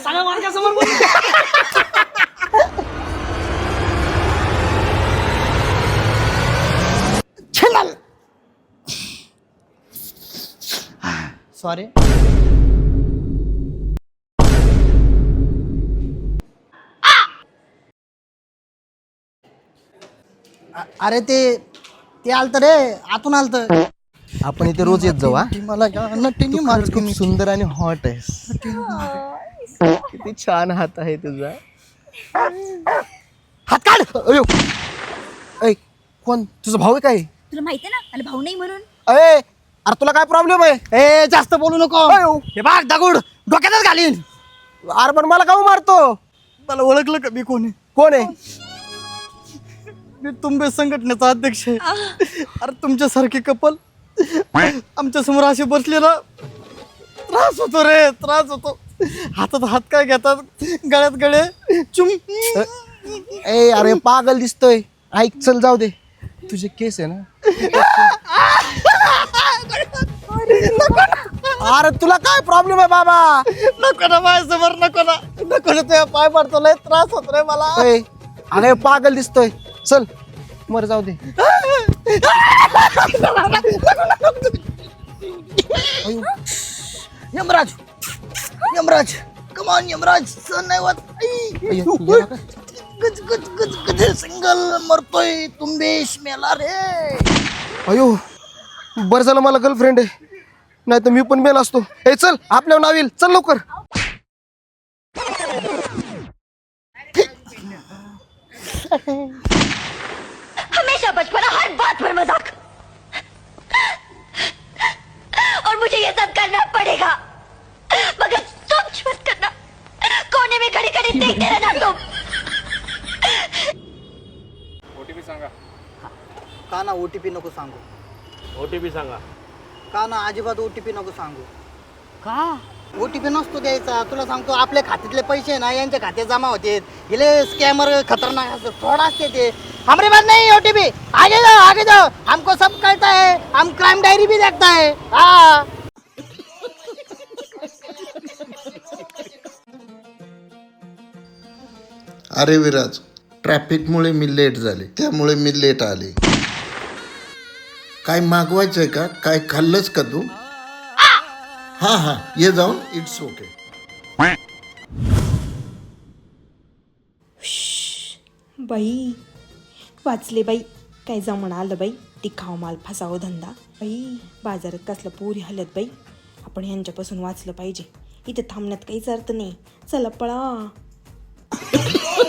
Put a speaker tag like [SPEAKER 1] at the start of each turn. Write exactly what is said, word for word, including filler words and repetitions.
[SPEAKER 1] सांगा माझ्या समोर बोल. सॉरी. अरे ते ते आलत रे, आतून आलत.
[SPEAKER 2] आपण इथे रोज येत जाऊ.
[SPEAKER 1] मला नटीनी
[SPEAKER 2] तू खरंच खूप सुंदर आणि हॉट आहेस. किती छान हात आहे तुझा. हात काढ. अयो ऐ, कोण तुझा भाऊ आहे काय?
[SPEAKER 3] तुला माहिती आहे ना मला भाऊ नाही म्हणून.
[SPEAKER 2] अरे अरे तुला काय प्रॉब्लेम आहे?
[SPEAKER 1] ए जास्त बोलू नको.
[SPEAKER 2] अयो.
[SPEAKER 1] हे बाग दगड डोक्यातच घालीन.
[SPEAKER 2] अरे पण मला काहून मारतो?
[SPEAKER 1] मला ओळखलं का मी कोण आहे?
[SPEAKER 2] कोण आहे?
[SPEAKER 1] मी तुंबे संघटनेचा अध्यक्ष आहे. अरे तुमच्यासारखे कपल आमच्या समोर असे बसले ना, त्रास होतो रे, त्रास होतो. हातात हात काय घेतात, गळ्यात गळे चुम.
[SPEAKER 2] ए अरे पागल दिसतोय. ऐक चल जाऊ दे. तुझे केस आहे ना. अरे तुला काय प्रॉब्लेम आहे बाबा?
[SPEAKER 1] नको ना माझ्यासमोर, नको ना, नको ना. तुझ्या पाय पडतो, लय त्रास होतो रे मला.
[SPEAKER 2] ए, अरे पागल दिसतोय. चल मर जाऊ दे.
[SPEAKER 1] यमराज, यमराज, कमान यमराज, सण नाही होत.
[SPEAKER 2] अय्यो, गेला का?
[SPEAKER 1] गज गज गज गज सिंगल मरतोय. तुंबेश मेला रे.
[SPEAKER 2] अयो बरं झालं मला गर्लफ्रेंड आहे, नाही तर मी पण मेला असतो. ए चल आपल्यावर नाव येईल. चल लवकर.
[SPEAKER 3] हमेशा बचपना, हर बात पर मजाक. और मुझे ये सब करना पड़ेगा, मगर सोच मत करना. कोने में खड़ी खड़ी देखते रहना तुम.
[SPEAKER 4] ओटीपी सांगा.
[SPEAKER 1] का ना ओटीपी नको सांगू.
[SPEAKER 4] ओटीपी सांगा.
[SPEAKER 1] का ना अजिबात ओटीपी नको सांगू. का ओटीपी नसतो द्यायचा. तुला सांगतो, आपल्या खात्यातले पैसे ना यांच्या खात्यात जमा होते. गेले स्कॅमर खतरनाक असते, फ्रॉड असते ते. हमारे पास नहीं ओटीपी. आगे जाओ, आगे जाओ, हमको सब कहता है, हम क्राइम डायरी भी देखता है. हाँ
[SPEAKER 5] अरे विराज, ट्रॅफिकमुळे मी लेट झाले, त्यामुळे मी लेट आले. काय मागवायचंय का? काय खाल्लंस का तू? हां हां ये जाऊन. It's okay.
[SPEAKER 6] बाई वाचले बाई. काय जमणं आलं बाई. टिकाव माल फसावं धंदा. बाई बाजारात कसलं पोरी हलत बाई. आपण यांच्यापासून वाचलं पाहिजे. इथे थांबण्यात काहीच अर्थ नाही. चला पळा.